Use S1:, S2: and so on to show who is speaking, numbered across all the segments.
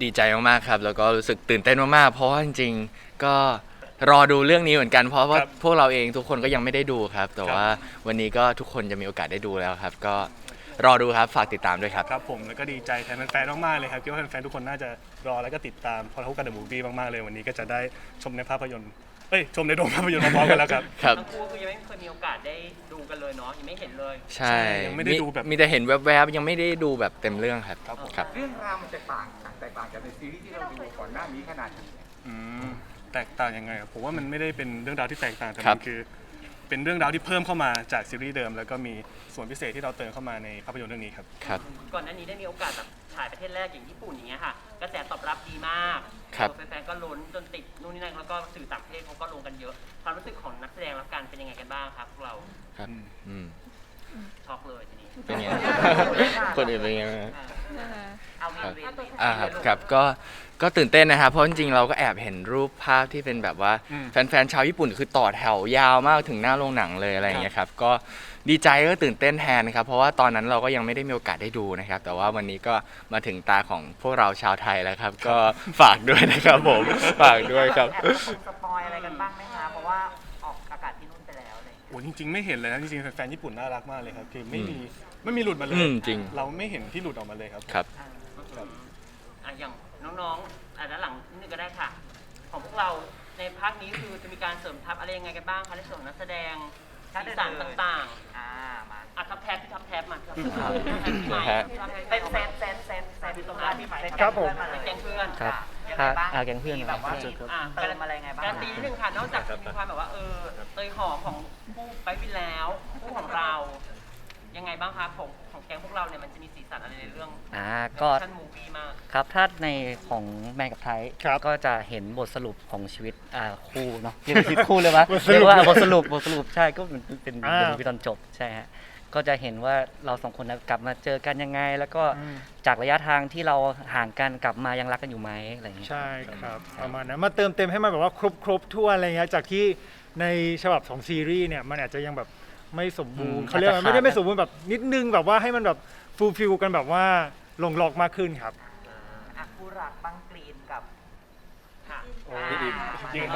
S1: ดีใจมากๆครับแล้วก็รู้สึกตื่นเต้นมากๆเพราะว่าจริงๆก็รอดูเรื่องนี้เหมือนกันเพราะว่าพวกเราเองทุกคนก็ยังไม่ได้ดูครับแต่ว่าวันนี้ก็ทุกคนจะมีโอกาสได้ดูแล้วครับก็รอดูครับฝากติดตามด้วยครับ
S2: ครับผมแล้วก็ดีใจแทนแฟนๆมากๆเลยครับคิดว่าแฟนๆทุกคนน่าจะรอแล้วก็ติดตามพอทุกกันเดอะมูฟวี่มากๆเลยวันนี้ก็จะได้ชมในภาพยนตร์ชมในโรงภาพยนตร์พร้อมๆกันแล้วครับ
S1: ครับ
S3: ทั้งคู่คือยังไม่เคยมีโอกาสได้ดูกันเลยเนาะยังไม่เห็นเลย
S1: ใช่
S2: ยังไม่ได้ดูแบบ
S1: มีแต่เห็นแวบๆยังไม่ได้ดูแบบเต็มเรื่องครับครับ
S4: เรื่องราวมันแตกต่างจากในซีรีส์ที่เราดูก่อนหน้านี้ขนาดไหน
S2: แตกต่างยังไงผมว่ามันไม่ได้เป็นเรื่องราวที่แตกต่างแต่
S1: ครั
S2: มั
S1: บ
S2: นคือเป็นเรื่องราวที่เพิ่มเข้ามาจากซีรีส์เดิมแล้วก็มีส่วนพิเศษที่เราเติมเข้ามาในภาพยนตร์เรื่องนี้ครับ
S1: ครับ
S3: ก่อนหน้านี้ได้มีโอกาสแบบถ่ายประเทศแรกอย่างญี่ปุ่นอย่างเงี้ยค่ะกระแสตอบรับดีมาก
S1: ครับ
S3: แฟนๆก็ลุ้นจนติดนู่นนี่นั่นแล้วก็สื่อต่างประเทศเขาก็ลงกันเยอะความรู้สึกของนักแสดงรับการเป็นยังไงกันบ้างครับพวกเรา
S1: ครับอืม
S3: ช็อกเลยทีนี้
S1: เป็นไง คนอื่นเป็นไงบ้าง
S3: เอาเวร
S1: ครับก็ตื่นเต้นนะครับเพราะจริงๆเราก็แอบเห็นรูปภาพที่เป็นแบบว่าแฟนๆชาวญี่ปุ่นคือต่อแถวยาวมากถึงหน้าโรงหนังเลยอะไรอย่างเงี้ยครับก็ดีใจก็ตื่นเต้นแทนนะครับเพราะว่าตอนนั้นเราก็ยังไม่ได้มีโอกาสได้ดูนะครับแต่ว่าวันนี้ก็มาถึงตาของพวกเราชาวไทยแล้วครับก็ฝากด้วยนะครับผมฝากด้วยครับ
S5: แอบสปอยอะไรกันบ้างไหมคะเพราะว่าออกอากาศที่นู่นไปแล้วอะไรอย่างเงี้ย
S2: โอ้จริงๆไม่เห็นเลยนะจริงๆแฟนๆญี่ปุ่นน่ารักมากเลยครับคือไม่มีหลุดมาเลย
S1: จริง
S2: เราไม่เห็นที่หลุดออกมาเลยครับ
S1: ครับ
S3: อย่างน้องๆด้านหลังนิดนึงก็ได้ค่ะ ของพวกเราในภาคนี้คือจะมีการเสริมทัพอะไรยังไงกันบ้างคะในส่วนของนักแสดงสีสันต่างๆ
S5: มา
S3: ทับแทบที่ทับแทบมาทับ
S1: แทบ
S5: เป็นเซตตรงนั้นที่ไหม
S2: ครับผม
S3: แกงเพื่อน
S6: ครับ
S5: ยังไงบ้าง
S6: แกงเพื่อน
S5: มีแบบว่ามี
S3: อ่า
S5: เติมอะไรไงบ้าง
S3: การตีนิดนึงค่ะนอกจากมีความแบบว่าเตยหอมของคู่ไปวินแล้วคู่ของเรา ยังไงบ้างคะของแกงพวกเราเนี่ยมันจะมีสีสันอะไรในเรื่อง
S6: ก็
S3: ชั้นมูฟี่มาก
S6: ครับถ้าในของแมนกับไทย
S2: ครับ
S6: ก็จะเห็นบทสรุปของชีวิตคู่เนาะเรียกว่าชีวิตคู่เลยปะ
S2: บทสรุป
S6: เรียกว่าบทสรุปใช่ก็เป็น
S2: อ่า
S6: ตอนจบใช่ฮะก็จะเห็นว่าเราสองคนกลับมาเจอกันยังไง แล้วก็จากระยะทางที่เราห่างกันกลับมายังรักกันอยู่ไหมอะไรอย่างเงี้ย
S7: ใช่ครับประมาณนั้นมาเติมเต็มให้มันแบบว่าครบทั่วอะไรเงี้ยจากที่ในฉบับของซีรีส์เนี่ยมันอาจจะยังแบบไม่สมบูรณ์เขาเรียกว่าไม่ได้ไม่สมบูรณ์แบบนิดนึงแบบว่าให้มันแบบฟูลฟิลกันแบบว่าลงล็อกมากขึ้นครับ
S5: คู่รักบ้างกรีนกับ
S3: ค่ะ
S2: จริงครับ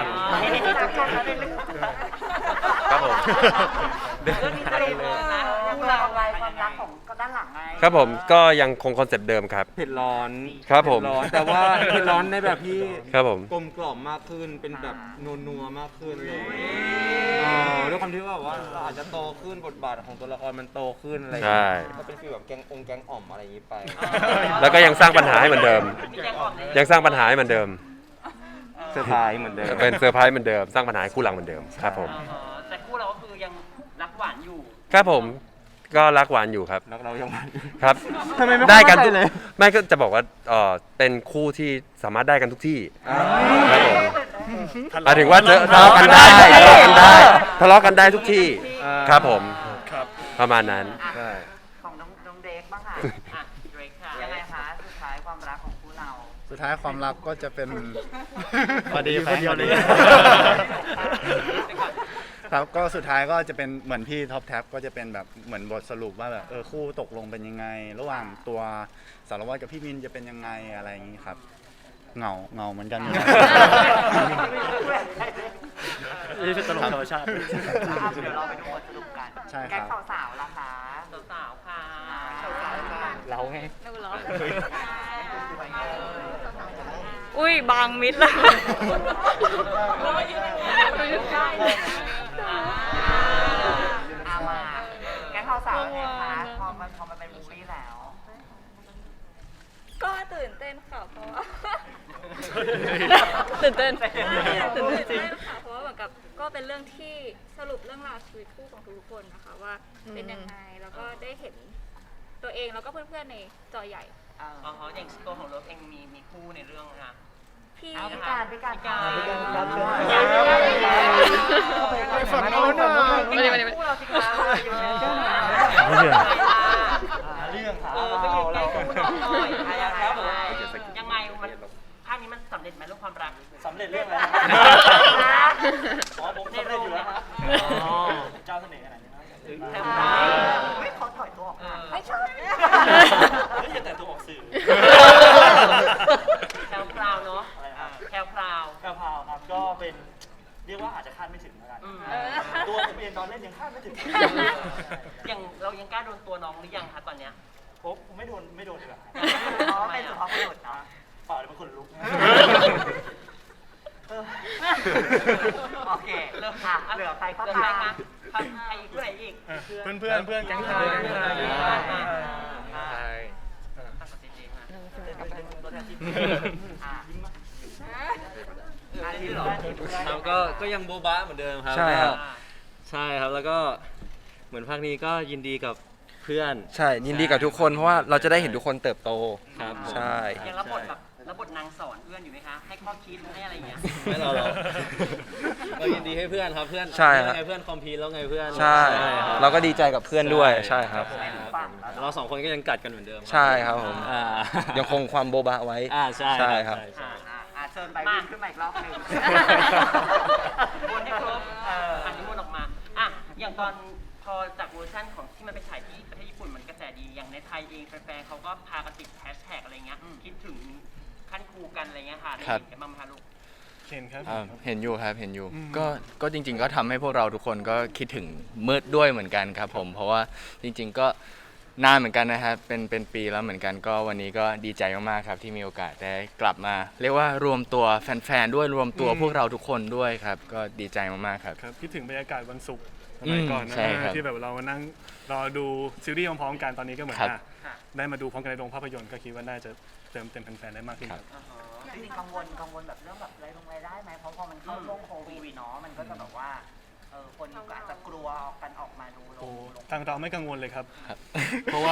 S1: ครับผม
S5: เรื่องนี้จะเริ่มนะคู่เราอะไรความรักของก็ด้านหลังไง
S8: ครับผมก็ยังคงคอนเซ็ปต์เดิมครับ
S4: เผ็ดร้อน
S8: ครับผม
S4: เผ็ดร้อนแต่ว่าเผ็ดร้อนในแบบที่
S8: ครับผม
S4: กลมกล่อมมากขึ้นเป็นแบบนัวๆมากขึ้นเลยด้วยความที่ว่าเราอาจจะโตขึ้นบทบาทของตัวละครมันโตขึ้นอะไรอย่าง
S8: ใช่
S4: เงี้ยก็เป็นฟีลแบบแกงอ่อมอะไรอย่างงี้ไป
S8: แล้วก็ยังสร้างปัญหาให้เหมือนเดิม
S3: มีแกงอ่อมใน
S8: ยังสร้างปัญหาให้เหมือนเดิม
S4: เซอร์ไพรส์เหมือนเดิม
S8: เป็นเซอร์ไพรส์เหมือนเดิม สร้างปัญหาให้คู่หลังเหมือนเดิมครับผม
S3: แต่คู่เราก็คือยังรักหวานอยู่
S8: ครับผมก็รักหวานอยู่ครับ
S4: แล้วเรายัง
S8: ครับ
S4: ทำไมไม่
S8: ได้กัน
S4: เข้าใจ
S8: ทุก
S4: เลย
S8: ไม่ก็จะบอกว่าเป็นคู่ที่สามารถได้กันทุกที่ครับผมหมายถึงว่าทะเลาะกันได้ทะเลาะกันได้ทุกที่ครับผม
S2: ครับ
S8: ประมาณนั้น
S4: ใช่
S5: ของน้องเด็กบ้างค่ะ
S3: อ่ะเดรกค่ะ
S5: ยังไงคะสุดท้ายความรักของคู่เรา
S9: สุดท้ายความรักก็จะเป็น
S7: พอดีคนเดียวเลย
S9: ครับก็สุดท้ายก็จะเป็นเหมือนพี่ท็อปแท็บก็จะเป็นแบบเหมือนบทสรุปว่าแบบคู่ตกลงเป็นยังไง ระหว่างตัวสารวัตรกับพี่มินจะเป็นยังไงอะไรอย่างนี้ครับเหงาเหมือนกัน
S6: นี่เป็นตลกธรรมชาติ
S5: เดี๋ยวเราไปดูบทสรุปกัน
S9: ใช่ครับ
S5: แก๊งสาวๆล่ะคะ
S3: สาวๆค่ะ
S6: เราไง
S10: อุ้ยบางมิดแล้ว
S5: เอามาแก๊งสาวๆเนี่ยคะพอมันเป็นมูฟวี่แล้ว
S10: ก็ตื่นเต้นค่ะเพราะว่าตื่นเต้นจริงค่ะเพราะว่าเหมือนกับก็เป็นเรื่องที่สรุปเรื่องราวชีวิตคู่ของทุกคนนะคะว่าเป็นยังไงแล้วก็ได้เห็นตัวเองแล้วก็เพื่อนๆในจอใหญ่
S3: อ๋ออย่างตัวของเลิฟเองมีคู่ในเรื่องนะคะ
S10: พี่
S5: เอาพิการ
S3: พิการ
S7: ไปฝั่งโน้นหน่อย
S5: คู่เราสิคะ
S3: เรื่องค่ะก็อยู่ใกล้คู่น้องหน่อยยังไงมันภาคนี้มันสำเร็จไหมเรื่องความรักสำเร็จเรื่องอะไรอ๋อผมในโรงอยู่แล้วครับเจ้าเสน่ห์ขนาดนี้
S5: ไม่เขาถอยตัวออกมาไม่ใช่
S3: อย่าแต่ตัวออกสื่อโอ้ไม่โดนดีกว่า
S5: อ๋อเป็นสุภาพบุรุษเนาะ
S3: เปล่าเดี๋ยวมันขนลุก
S5: โอเคเริ่มค่ะเหลือใครก็
S3: เดิน
S5: ตา
S3: ไป
S5: ม
S3: มาใครอีกผู้ไหนอีก
S2: เพื่อนแก๊งไทย
S1: ใช่
S4: ครับก็ยังโบ๊ะเหมือนเดิมครับ
S8: ใช่ครับ
S4: ใช่ครับแล้วก็เหมือนภาคนี้ก็ยินดีกับเพื่อน
S8: ใช่ยินดีกับทุกคนเพราะว่าเราจะได้เห็นทุกคนเติบโต
S4: ครับ
S8: ใช่
S3: ยังรับบทแบบรับบทนางสอนเพื่อนอยู่ไหมคะ ให้ข้อคิดให้อะไรอย่างเงี้ย
S4: ไม่เราเรายินดีให้เพื่อนครับเพื่อน
S8: ใช่ครับ
S4: ไงเพื่อนคอมพีแล้วไงเพื่อน
S8: ใช่
S4: ครับ
S8: เราก็ดีใจกับเพื่อนด้วยใช่ครับ
S4: เราสองคนก็ยังกัดกันเหมือนเดิม
S8: ใช่ครับผม
S4: อ่า
S8: ยังคงความโบบะไว้
S4: ใช่
S8: ใช่ครับ
S4: ใช่
S5: เชิญไปวิ่งขึ้นมาอีกรอบหนึ่ง
S3: วนให้ครบอันนี้วนออกมาอ่ะอย่างตอนพอจากเวอร์ชันของที่มันไปฉายที่ประเทศญี่ปุ่นมันกระแสดี อย่างในไทยเองแฟนๆเขาก็พากันติดแฮชแท็กอะไรเงี้ย คิดถึงขั้นครูกันอะไรเงี้ยค่ะได้เห็นกันบ้างไหมคะลูก
S2: เห็นครับ
S1: เห็นอยู่ครับเห็นอยู่
S2: อืม
S1: ก็จริง ๆ ก็ทำให้พวกเราทุกคนก็คิดถึงมืดด้วยเหมือนกันครับผมเพราะว่าจริง ๆ ก็นานเหมือนกันนะครับเป็นปีแล้วเหมือนกันก็วันนี้ก็ดีใจมากๆครับที่มีโอกาสได้กลับมา เรียกว่ารวมตัวแฟนๆด้วยรวมตัวพวกเราทุกคนด้วยครับก็ดีใจมากๆครับ
S2: ครับคิดถึงบรรยากาศวันศุกร์สมัยก่อนนะ
S1: ใช่ครับ
S2: ที่แบบเรามานั่งรอดูซีรีส์พร้อมๆกันตอนนี้ก็เหมือน
S1: ครับ
S2: ได้มาดูพร้อมกันในโรงภาพยนตร์ก็คิดว่าน่าจะเติมเต็มแฟนๆได้มากขึ้นครับ
S5: จริงๆกังวลแบบเรื่องแบบรายได้ไหมเพราะพอมันเข้าช่วงโควิดเนาะมันก็จะแบบว่าคนก็อาจจะกลัวกันออกมาดูล
S2: โอ้
S5: ง
S2: ทางเราไม่กังวลเลยครับ
S1: ครับ
S2: เพราะว่า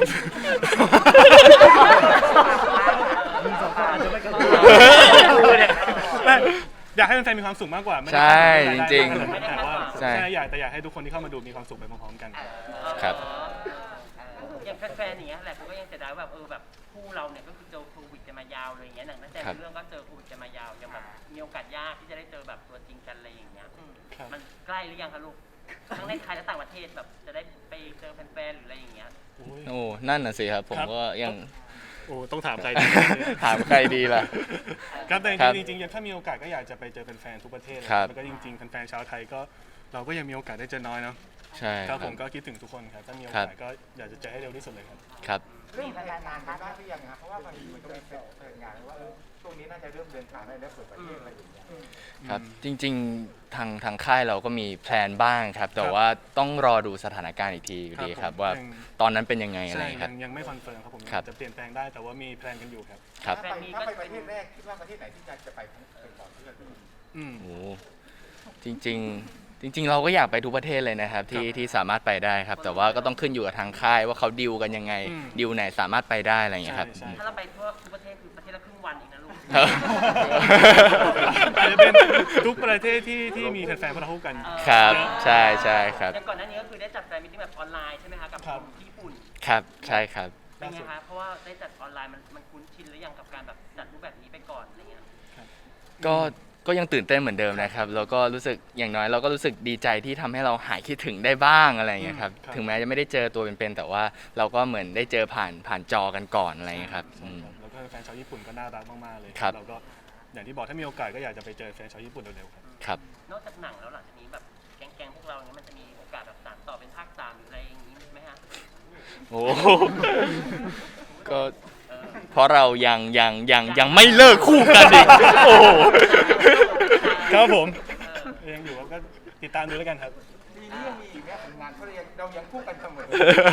S2: ไม่อยากให้แฟนๆมีความสุขมากกว่าไม่ได้
S1: ใช่จริง
S2: แต่ว่า
S1: ใช่
S2: อยากให้ทุกคนที่เข้ามาดูมีความสุขไปพร้อมๆกัน
S1: ครับ
S3: อย่างแฟนๆอย่างเงี้ยแหละเขาก็ยังเสียดายว่าแบบแบบคู่เราเนี่ยก็คือเจอโควิดกันมายาวเลยอย่างเงี้ยหนังตั้งแต่
S1: ครับ
S3: เรื่องก็เจอโควิดกันมายาวยังแบบมีโอกาสยากที่จะได้เจอแบบตัวจริงกันอะไรอย่างเงี้ย
S2: ครับ
S3: มันใกล้หรือยังคะลูกทั้งในไทยและต่างประเทศแบบจะได้ไปเจอแฟนๆหรืออะไรอย่างเงี้ย
S2: โอ้ย
S1: โอ้นั่นน่ะสิครับผม
S2: ครับ
S1: ก็ยัง
S2: โอ้ต้องถามใครดี
S1: ถามใครดีล่ะ
S2: ครับแต่
S1: ครับ
S2: จริงๆถ้ามีโอกาสก็อยากจะไปเจอแฟนๆทุกประเทศเลย
S1: ครับ
S2: แล้วก็จริงๆแฟนๆชาวไทยก็เราก็ยังมีโอกาสได้เจอน้อยเนาะ
S1: ใช่
S2: ครับ
S1: ค
S2: ผ
S1: รับ
S2: มก็คิดถึงทุกคนครับถ้ามีโอ
S1: ครั
S2: กา
S1: บ
S2: สก็อยากจะเจอให้เร็วที่สุดเลยครับ
S1: ครับ
S5: เรื่องการงานได้หรือยังครับเพราะว่าบางทีมันก็มีเปิดงานว่าช่วงนี้น่าจะเริ่มเดินทางได้แล้วเปิดประเทศอะไรอย่างเงี้ย
S1: ครับจริงๆทางค่ายเราก็มีแพลนบ้างครับ แต่
S2: ครับ
S1: ว่าต้องรอดูสถานการณ์อีกทีอยู่ดี
S2: ค
S1: ค
S2: รั
S1: รั
S2: บบ ผม
S1: ว่า
S2: ยัง
S1: ตอนนั้นเป็นยังไงอะไร
S2: ใช่
S1: ครับ
S2: ยังไม่คอนเฟิร์มครับผม
S1: ครับ
S2: จะเปลี่ยนแปลงได้แต่ว่ามีแพลนกันอยู่ครับ
S1: ครับ
S3: แฟนมี
S5: ถ้า
S3: ก็
S5: ไปป
S3: เป็
S5: ระ
S3: น
S5: เทศแรกคิดว่าประเทศไหนที่จะไปเป็นก่อนเพื่อน
S2: อืม
S1: โอ้จริง ๆ เราก็อยากไปทุกประเทศเลยนะครับที่สามารถไปได้ครับ แต่ว่าก็ต้องขึ้นอยู่กับทางค่ายว่าเขาดิวกันยังไง
S2: อืม
S1: ดิวไหนสามารถไปได้อะไรอย่างเงี้ยครับ
S2: ใช่
S3: ถ้าเราไปทั่วทุกประเทศคือประเทศละครึ่งวันเองนะลูก
S1: ครับ
S2: อาจจะเป็นทุกประเทศที่มีแฟนๆพวกเราคู่กัน
S1: ครับใช่ครับ
S3: อย่างก่อนหน้านี้ก็คือได้จัดแฟนมิตติ้งแบบออนไลน์ใช่ไหมคะกับ
S2: ครับ
S3: ที่ญี่ปุ่น
S1: ครับใช่ครับ
S3: เป็นไงคะเพราะว่าได้จัดออนไลน์มันคุ้นชินหรือยังกับการแบบจัดรูปแบบนี้ไปก่อนอะไรเงี้ย
S1: ก็ยังตื่นเต้นเหมือนเดิมนะครับแล้วก็รู้สึกอย่างน้อยเราก็รู้สึกดีใจที่ทำให้เราหายคิดถึงได้บ้างอะไรอย่างเงี้ยครับ
S2: ครับ
S1: ถึงแม้จะไม่ได้เจอตัวเป็นๆแต่ว่าเราก็เหมือนได้เจอผ่านจอกันก่อนอะไรอย่างเงี้ยครับ
S2: ใช่ครับแล้วก็แฟนชาวญี่ปุ่นก็น่ารักมากๆเลย
S1: ครับ
S2: เราก็อย่างที่บอกถ้ามีโอกาสก็อยากจะไปเจอแฟนชาวญี่ปุ่นเร็วๆครับ
S1: ครับ
S3: นอกจากหนังแล้วหลังจากนี้แบบแก๊งๆพวกเราเนี้ยมันจะมีโอกาสแบบสานต่อเป็นภาค3หรืออะไรอย่างนี้ไหมฮะ
S1: โอ้โหก็เพราะเรายังไม่เลิกคู่กันอีกโอ้โห
S2: ครับผมยังอยู่ก็ติดตามดูแล้วกันครับ
S5: ปีนี้ยังมีอีกไหมผลงานเพราะเรายังคู่กันเสมอ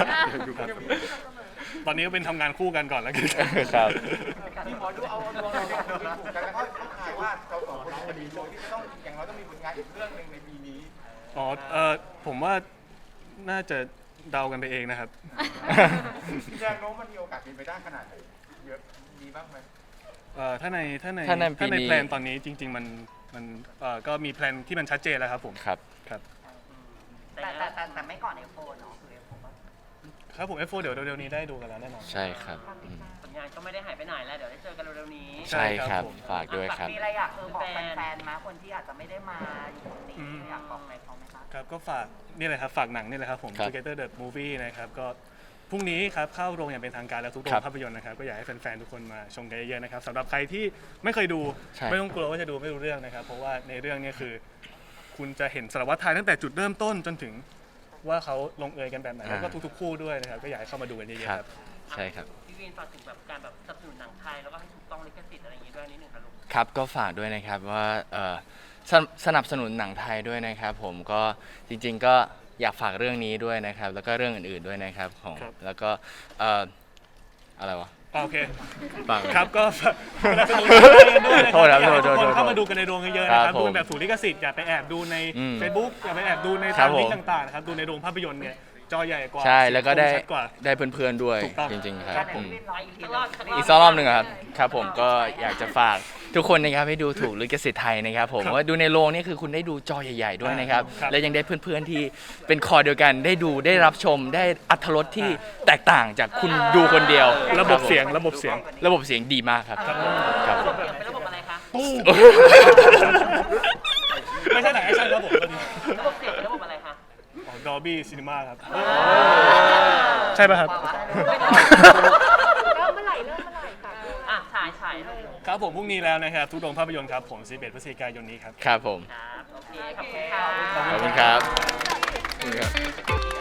S2: ตอนนี้ก็เป็นทำงานคู่กันก่อนแล้วกัน
S1: ครับ
S5: ที่หมอดูเอาดวงเราเนี่ยถูกกันแล้วเขาขายว่าเราสองคนจะมีดวงที่จะต้องอย่างเราต้องมีผลงานอีกเรื่องหนึ่งในปีนี้
S2: อ๋อผมว่าน่าจะเดากันไปเองนะครับ
S5: แรงโน้มมันมีโอกาสเป็นไปได้ขนาดไหนเยอะมีบ้างไหม
S2: ถ้าใน
S1: ถ้าในปี
S2: ถ้าใน
S1: นี้
S2: แพลนตอนนี้จริง ๆ มันก็มีแพลนที่มันชัดเจนแล้วครับผม
S1: ครับ
S2: ครับ
S5: แต่ไม่ก่อนเอฟโฟเนาะคือเอฟโฟ
S2: ครับผม F4 เดี๋ยวเร็วๆนี้ได้ดูกันแล้วแน่นอน
S1: ใช่ครับอืม
S3: ผลงานก็ไม่ได้หายไปไหนแล้วเดี๋ยวได้เจอกันเร็วๆนี้
S1: ใช่ค
S2: ครั
S1: รับบ
S2: ผม
S1: ฝากด้วยครับ
S5: มีอะไรอยากบอกแฟนๆมาคนที่อาจจะไม่ได้มาอยู่ตรงนี้อยากบอกอะไรเขาไหมคะ
S2: ครับก็ฝากนี่เลยครับฝากหนังนี่เลยครับผม
S1: ครับ
S2: Together the Movie นะครับก็พรุ่งนี้ครับเข้าโรงอย่างเป็นทางการแล้วทุกโร
S1: ครั
S2: ง
S1: บ
S2: ภาพยนตร์นะครับก็อยากให้แฟนๆทุกคนมาชมกันเยอะๆนะครับสำหรับใครที่ไม่เคยดู
S1: ใช่
S2: ไม่ต้องกลัวว่าจะดูไม่รู้เรื่องนะครับ เพราะว่าในเรื่องนี้คือ คุณจะเห็นสารวัตรไทยตั้งแต่จุดเริ่มต้นจนถึงว่าเขาลงเอยกันแบบไหนแล้วก็ทุกๆคู่ด้วยนะครับก็อยากให้เข้ามาดูกันเยอะๆครับ
S1: ใช่ครับ
S3: พี่วินฝากถึงแบบการแบบสนับสนุนหนังไทยแล้วก็ให้ถูกต้องลิขสิทธิ์อะไรอย่างงี้ด้วยนิดนึงครับลูก
S1: ครับก็ฝากด้วยนะครับว่าสนับสนุนหนังไทยด้วยนะครับผมก็จริงๆก็อยากฝากเรื่องนี้ด้วยนะครับแล้วก็เรื่องอื่นๆด้วยนะครับของ
S2: ครับ
S1: แล้วก็อะไรวะ
S2: โอเค
S1: ฝาก
S2: ครับก็สนับสนุนกันด้วยนะ
S1: โทษครับ
S2: อยากให้ทุก
S1: โท
S2: คน
S1: ษ
S2: เข้ามาดูกันในโรงเยอะๆนะครับ
S1: ครับผม
S2: ดูกันแบบถูกลิขสิทธิ์อย่าไปแอบดูใน
S1: อืม
S2: Facebook อย่าไปแอบดูใน
S1: ครั
S2: ตา
S1: บ
S2: มลิงก์
S1: ผม
S2: ต่างๆนะครับดูในโรงภาพยนตร์เนี่ยจอใหญ่กว่า
S1: ใช่แล้วก็ได้
S2: ชัดกว่า
S1: ได้เพื่อนๆด้วย
S2: ถูกต้อง
S1: จริงๆค
S5: กา
S1: รั
S5: ร
S1: บ
S5: ไหน
S1: ผม
S5: พี่วินรออีกที
S1: อีกสักรอบหนึ่งอะครับครับผมก็อยากจะฝากทุกคนนะครับให้ดูถูกลิขสิทธิ์ไทยนะครับผม
S2: ครับ
S1: ว่าดูในโรงนี่คือคุณได้ดูจอใหญ่ๆด้วยนะครับ
S2: ครับ
S1: และยังได้เพื่อนๆที่เป็นคอเดียวกันได้ดูได้รับชมได้อรรถรสที่แตกต่างจากคุณดูคนเดียว
S2: ระบบเสียง
S1: ค
S2: ระบบเสียง
S1: ระบบเสียงดีมากครับครับ
S3: ระบบเสียงเป็นระบบอะไรคะ
S2: ตู้ไม่ใช่หนังแอคชั่นครับผมตอนนี้
S3: ระบบเสียงเป็นระบบอะไรคะ
S2: ดอลบี้ซีนีมาครับใช่ป่ะครับ
S10: ก็เมื่อไหร่เริ่มเมื่อไหร่ค่ะ
S3: อ่ะฉายเลย
S2: ครับผมพรุ่งนี้แล้วนะครับทุกโรงภาพยนตร์ครับผม11 พฤศจิกายนนี้ครับ
S1: ครับผม
S3: ครับโอเคขอบคุณค่ะ
S1: ขอบคุณครับขอบคุณครับ